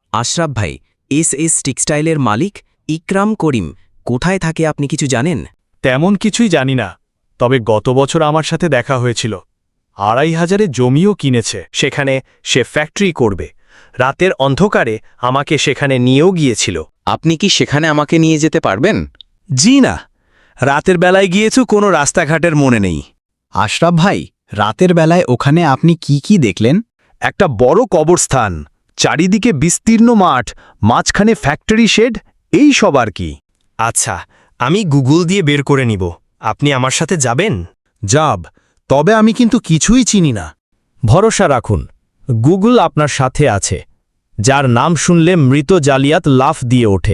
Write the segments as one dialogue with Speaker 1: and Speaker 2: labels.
Speaker 1: আশরাফ ভাই, এস টেক্সটাইলের মালিক ইকরাম করিম কোথায় থাকে আপনি কিছু জানেন?
Speaker 2: তেমন কিছুই জানি না, তবে গত বছর আমার সাথে দেখা হয়েছিল। ২,৫০০ জমিও কিনেছে, সেখানে সে ফ্যাক্টরি করবে। রাতের অন্ধকারে আমাকে সেখানে নিয়েও গিয়েছিল।
Speaker 3: আপনি কি সেখানে আমাকে নিয়ে যেতে পারবেন?
Speaker 2: জি না, রাতের বেলায় গিয়েছো, কোনো রাস্তাঘাটের মনে নেই।
Speaker 4: আশরাফ ভাই, রাতের বেলায় ওখানে আপনি কি দেখলেন?
Speaker 2: একটা বড় কবরস্থান, চারিদিকে বিস্তীর্ণ মাঠ, মাঝখানে ফ্যাক্টরি শেড, এই সব আর কি। আচ্ছা, আমি গুগল দিয়ে বের করে নিব। আপনি আমার সাথে যাবেন?
Speaker 4: যাব, তবে আমি কিন্তু কিছুই চিনি না।
Speaker 2: ভরসা রাখুন, গুগল আপনার সাথে আছে। যার নাম শুনলে মৃত জালিয়াত লাফ দিয়ে ওঠে।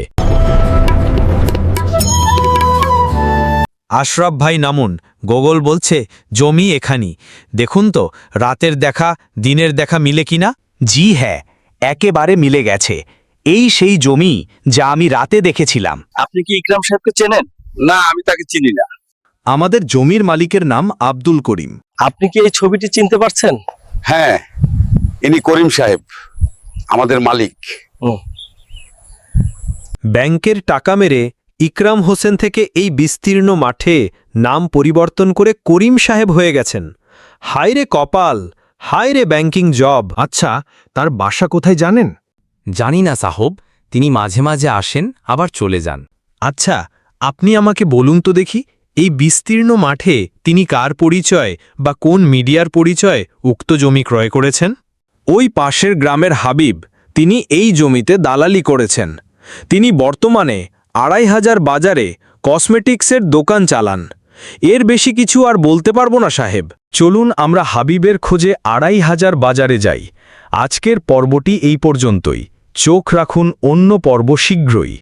Speaker 2: আশরাফ ভাই নামুন, গুগল বলছে জমি এখানি। দেখুন তো রাতের দেখা দিনের দেখা মিলে কিনা। জি হ্যাঁ, একেবারে মিলে গেছে। এই সেই জমি যা আমি রাতে দেখেছিলাম।
Speaker 5: আপনি কি ইকরাম সাহেবকে চেনেন? না, আমি তাকে চিনি না।
Speaker 2: আমাদের জমির মালিকের নাম আব্দুল করিম।
Speaker 5: আপনি কি এই ছবিটি চিনতে পারছেন?
Speaker 6: হ্যাঁ, ইনি করিম সাহেব, আমাদের মালিক।
Speaker 2: ব্যাংকের টাকা মেরে ইকরাম হোসেন থেকে এই বিস্তীর্ণ মাঠে নাম পরিবর্তন করে করিম সাহেব হয়ে গেছেন। হায়রে কপাল, হায়রে ব্যাংকিং জব। আচ্ছা, তার বাসা কোথায় জানেন?
Speaker 1: জানি না সাহব, তিনি মাঝে মাঝে আসেন আবার চলে যান।
Speaker 2: আচ্ছা, আপনি আমাকে বলুন তো দেখি, এই বিস্তীর্ণ মাঠে তিনি কার পরিচয় বা কোন মিডিয়ার পরিচয় উক্ত জমি ক্রয় করেছেন? ওই পাশের গ্রামের হাবিব, তিনি এই জমিতে দালালি করেছেন। তিনি বর্তমানে ২,৫০০ বাজারে কসমেটিক্সের দোকান চালান। এর বেশি কিছু আর বলতে পারবো না সাহেব। চলুন আমরা হাবিবের খোঁজে ২,৫০০ বাজারে যাই। আজকের পর্বটি এই পর্যন্তই। চোখ রাখুন অন্য পর্ব শীঘ্রই।